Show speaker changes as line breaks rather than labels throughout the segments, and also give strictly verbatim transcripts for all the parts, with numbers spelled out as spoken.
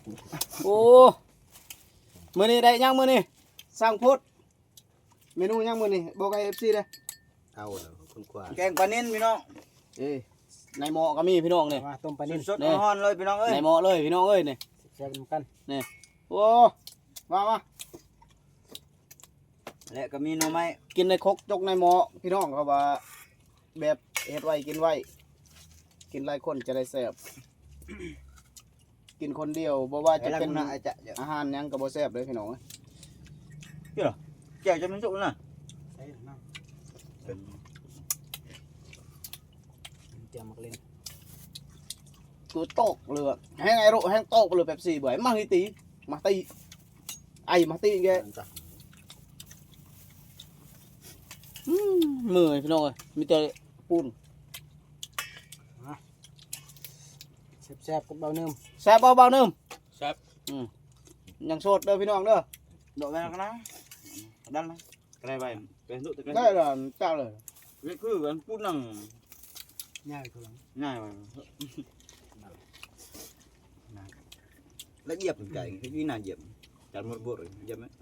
โอ้มื้อนี้ได้ยังมื้อนี้สร้างโพดเมนูยังมื้อนี้บอกให้ เอฟ ซี เด้อ
เอาแล้วคุณกว่า
แกงปลานิ่นพี่น้อง
เอ้ยในหม้อก็มีพี่น้องนี่
มาต้มปลานิ่ม
สดๆร้อนๆเลยพี่น้องเอ้ย
ในหม้อเลยพี่น้องเอ้ยนี่
แซ่บๆกัน
โอ้มามา
และก็มีหน่อไม้
กินในครกจกในหม้อพี่น้องเขาว่าแบบเฮ็ดไว้กินไว้กินหลายคนจะได้แซ่บกินคนเดียวบ่ว่าจะ
จะ
เป็
เป็น นอาจจะ
อาหารหยังก็บ่แซ่บเลยพี่น้องเอ้ย
แก้วจะมันสุกนะ
ใส่น้ำ
เป็น
เจียวมักเล่น
กูตกเลยอะแห้งไอ้โรแห้งตกเลยแบบสี่เบื่อมาฮิตีมาตีไอ้มาตีแกอืมมือพี่น้องเอ้ยมีแต่ปูน
แซ่บๆกับเบาเนิ่ม
แซ่บเบาๆเนิ่ม
แซ่บ
อืมยังโสดเด้อพี่น้องเด้อ
โดดไปแล้วนะดันนะไกลไปเป็นสุดแต่ไกล
ได้เลยเจ้าเลย
นี่คือกันพูดนั่ง
ง่ายคือหลัง
ง่ายไปแล้วเหยียบไก่ที่น่าเหยียบจัดหมดบวชเลยเหยียบไหม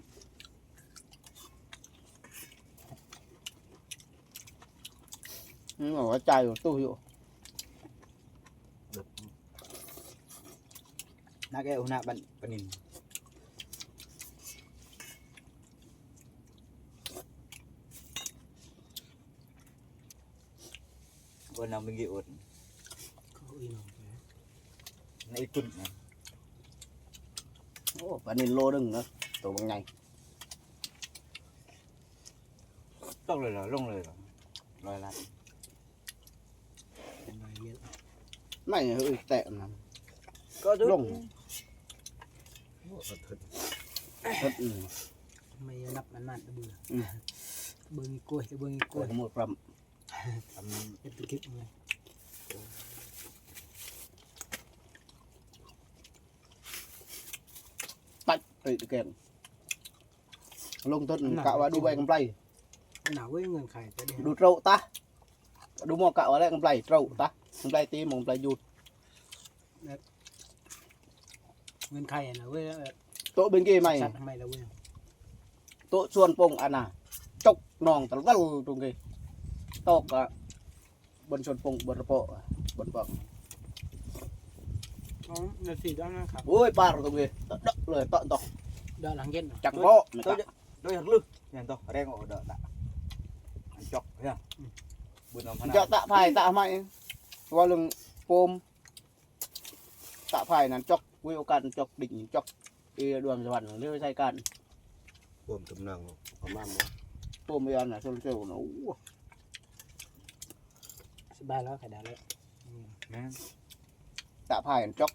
นี่บอกว่าใจอยู่ตู้อยู่
น่าแก้วหน้าบันปนินวันนั้นเป็นกี่อด
เขาอีหน่อย
ในตุ่นนะ
โอ้ปลานินโลนึงนะตัวบางไง
ต้องเลยเหรอลงเลยเหรอลอยลัด
เป็นหน่อยเยอะ
ไม่เฮ้ยแตะมัน
ก็ดึ
ลง
โอ้สะเทือน
เฮ็ดอืม
ไม่นับอันนั้นเบื่อ
อืม
เบิ่งอีกกล้วยเบิ่งอีกก
ก
ล้
ล้
ว
วย ยหมดพร้
ทำ
เป็นคลิปเลย
ำตัดติดแกนลงต้นกะว่าดูใบกำไร
หนาวเว้ยเงินไข่จะได้
ดูเต้าตาดูหมอกะว่าได้กำไรเต้าตากำไรตีหมองปลายยุด
เงินไข่นะเว้ย
โต๊ะเป็นกี่ไหม
ชัดทำไมล่ะเว้ย
โต๊ะส่วนปงอันน่ะจกนองตะวันตรงกี่โต๊ะกะบนส่วนปงบนระเปาะบนปอง
อ๋อนาทีด้านนะครับ
โอ้ยปลาตรงกี่ตะเลยตะตอก
ด้านหลังเย็น
จังโปะ
tôi tôi thật lư nhìn tôi ở đây ngồi đợi đã anh chọc thấy không buồn lòng
จะตะไผ่ตะไม่ว่าเรื่องโฟมตะไผ่นั้นจกวิวกันจกดิ่งจกเอดวงสวรรค์เรื่องใช้กัน
รวมกำลังประมาณว่า
โฟมเอียนน่ะโซลเซลล์นะโอ้
สบายแล้วไข่ดาวแล้ว
nè
ตะไผ่นั้นจก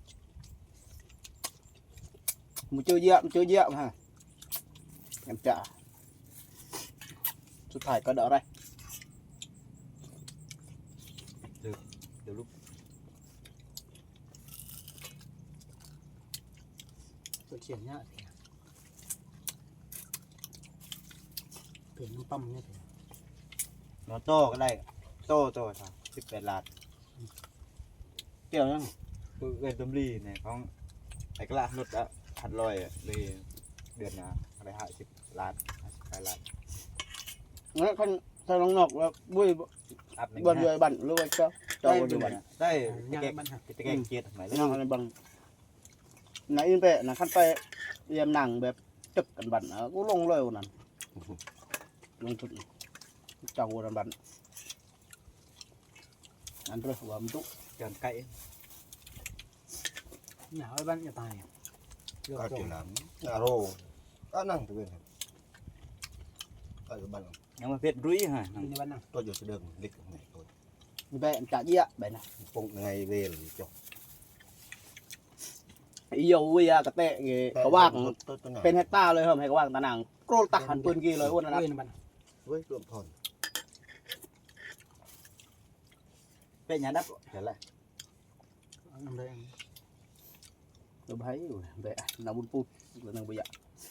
มันเจอเยอะมันเจอเยอะฮะem trả สุดท้ายก็เดาได้
từ lúc
ตัวเฉียนเนี่ยเปลี่ยนน้ำปั๊มเนี่ย
nó to cái này to to sao chụp đẹp lạt kiểu nhá tôi về tôm ly này có cái cái lạt nút đã hạt lòi về điện là cái hại chụp lạt cái lạt
งั้นคนถ้าลองนอกแล้วบุ้ย
áp
บนเรือบันรู้ไว้ก็เจ้า
đây
บนเรือบัน
đây
งาน
cái
มันหัก
cái cái cái kia phải
นอกอะไรบังไหนอินเปะนะขั้นไปเรียมหนังแบบจึกกันบันอ่ะกูลงเลยวันนั้นลงทุนเจ้าวันบันอันเรื่องว่ามันตุ
tròn cậy
หนาวไอ้บ้านจะตายเลือก
ก็
จ
กิ
ง
นน้ำอาโรก็นั่งตัวเองก็อยู่บ้าน
nhưng mà việt rúi hả
อยู่ในบ้านน่ะ
ตัวอยู่เดิมเล็กไงตัว
มีแบะจ่าเยี่ยแบบน่ะ
ปงไงเวลจบ
อีโยวิยากระเตะเงี้ยก็ว่าง
ตัวตัวหนา
เป็นเฮกตาร์เลยเหรอให้ก็ว่างตะหนังโกรธตักหันปืนกี่เลยวันนั้น
เว้ยในบ้าน
เว้ยรวมทอน
về nhà đất trở lại
น้ำเลย
เราไปอยู่แบะน้ำบุญปูหรือน้ำบุญยะ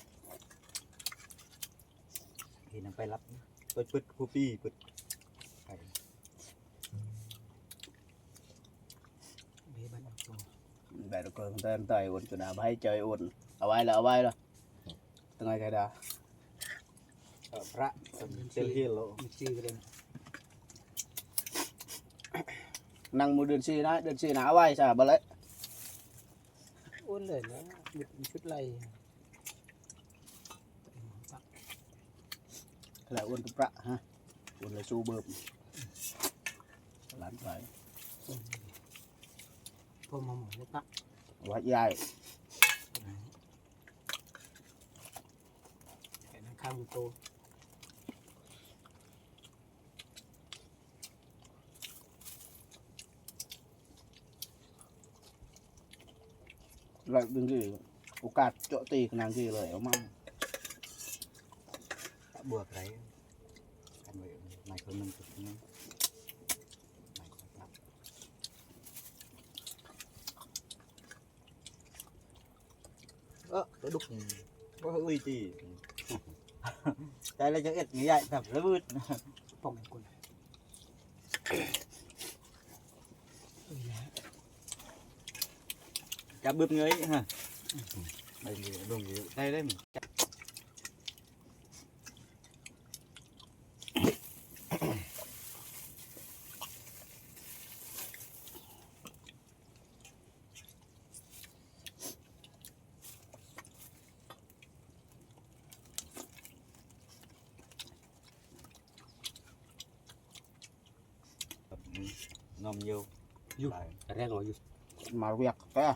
thì nó phải lắp tôi bứt khu pi bứt phải
เว้ยบ้านตัว
อืมแบบก็เต้นไต่อุ่นจุดาใบเจยอุ่นเอาไว้แล้วเอาไว้แล้วตั้งไงใครด่า
พระเซลเฮียโล
มันชื่อกันเลย
นั่งมือเดินซีนะเดินซีนะเอาไว้ใช่บ่เลย
อ้วนเลยนะหยุดชุดไร
là uốn cái bạ ha uốn là su bơm lán phải
พอมาหมดแล้วตัก
quá dài
แค่นั้นข้าวมันโต
lại đừng gì ô cạt chỗ tì cái nàng gì lời ông mong
บวกไรกันไว้ไม่คนนึงจุดนี้ไม่คนรับเออไปดุกก็อุ้ยจีใจเลยจะเอ็ดงี้ใหญ่แบบระเบิด
ป้องกันคนเอ้ยนะ
จับบึ้มเงยฮะไปลงอยู่ได้ได้มั้ย nôm nhiều
Vô.
Lại.
Ra ngồi vô.
mà việc cái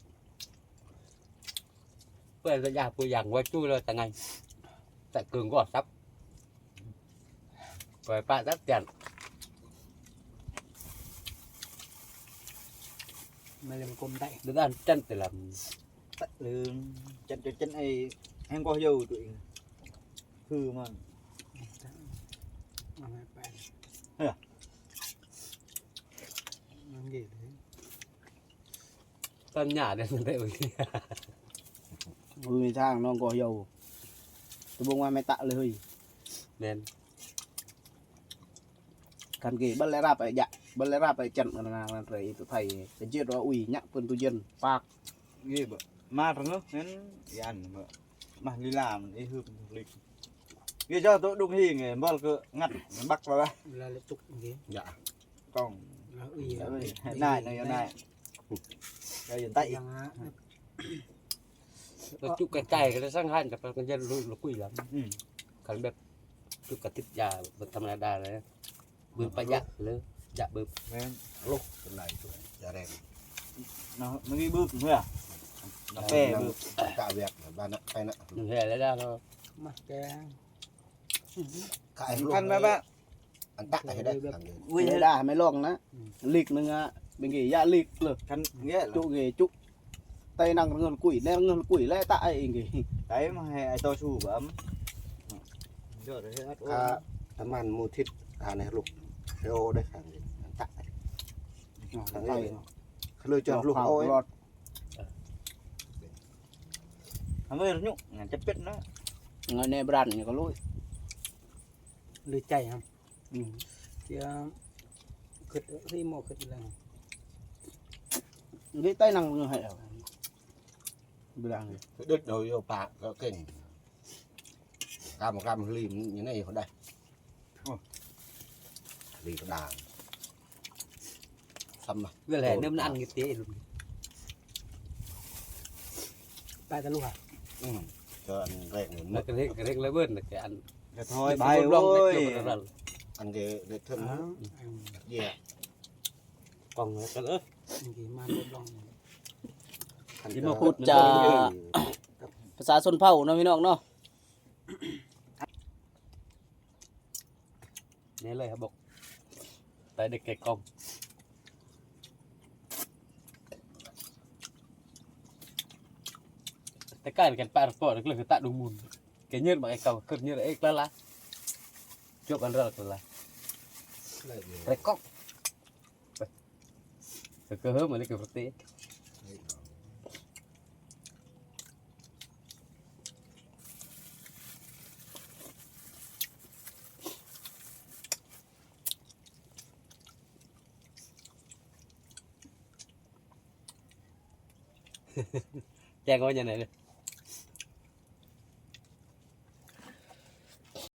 Bây giờ nhà tôi giảng qua chui rồi tại ngày. Tại cường có sắp. Rồi bạn rất tiền.
ไม่เลยมันกลมได้
Đứa ăn chân thì làm.
Tắt lương chân cho chân ấy em có dầu tụi hư mà
เอาไปไป
เฮ้ย
มันเกลียดเลย
Con nhà đây đây rồi.
người thang nó có dầu tôi buông qua mày tạ lời
Nên
cần kì bất lẽ ra phải dạ bất lẽ ra phải chặn là là rồi tụi thầy cái chuyện đó ủy nhắc quân tu dân phạt
ghê bợ ma thằng nó nên đi ăn bợ mà đi làm đi hư lịch ghê cho tôi đúng hình này bao cơ ngắt bắt vào đây
เวลาเราจุกอย่างเงี้ย
dạ
còn
เราอุ้ย
này này này đây hiện tại
ยังฮะ
nó chụp cái cày cái nó sang hành cái con dân lùi nó quỷ lắm.
ừ.
Còn bếp chụp cái thịt già vật thầm là đà đấy. Bơm phải dạ lớn. Dạ bơm.
Nên
lúc cái này tuổi dạ đen
nó nó đi bơm thôi à nó bè bơm
cả việc ba nợ tay nợ
Đừng hề lấy ra thôi.
มาแก
cái
khăn ba ba
ăn tắc này đấy ăn gì
ui
Mày đà mày lon á lịch nưng á bên kì dạ lịch lử
khăn nghĩa là
chỗ ghế trúc tay năng ngân quỷ nè ngân quỷ lẽ tại kì
đấy mà hay ai to su bấm rồi đấy hết
à tấm ăn mua thịt à này lúc cái ô đây ăn gì ăn tắc này ăn
tay
gì cái lưỡi cho lúc ôi
lọt
nó mới nhúc ngàn chấp biết nó
người này brand có lỗi
หรือใจครับเจ้าขึ้นที่โมขึ้นแล้ว
cái tay năng ngân hệ brand này
cái đứt đầu vô bạc có kinh cam một cam lim như này ở đây lì có đàn xăm mà
Vừa lẻ nêm nó ăn cái tế luôn.
ตายตะลุกอ่ะ
ừ. cho ăn rẹn
Là
mất
cái cái cái lấy bơn là cái ăn.
Dạ thôi
Cái
bài
bơm lông cái
ơi
kiểu nó là
ăn cái để
อ๋อ
thân gì à
còn cái ớt.
อันนี้มาลดลอง
ăn
Chỉ
cho-
một phút
cho-
trà.
ภาษาชนเผ่าเนาะพี่น้องเนาะ
Nhớ lời hả bộc. Tại được cái con. Tất cả cái bạn bỏ được là cái tạ đúng mùn. Cái nhớt mà cái cầu cực như là ếch lá lá. Chụp ăn rợt là
Lại gì?
cái cóc. Cái cơ hớp mà lấy cái vật tế. Cha coi nhà này đi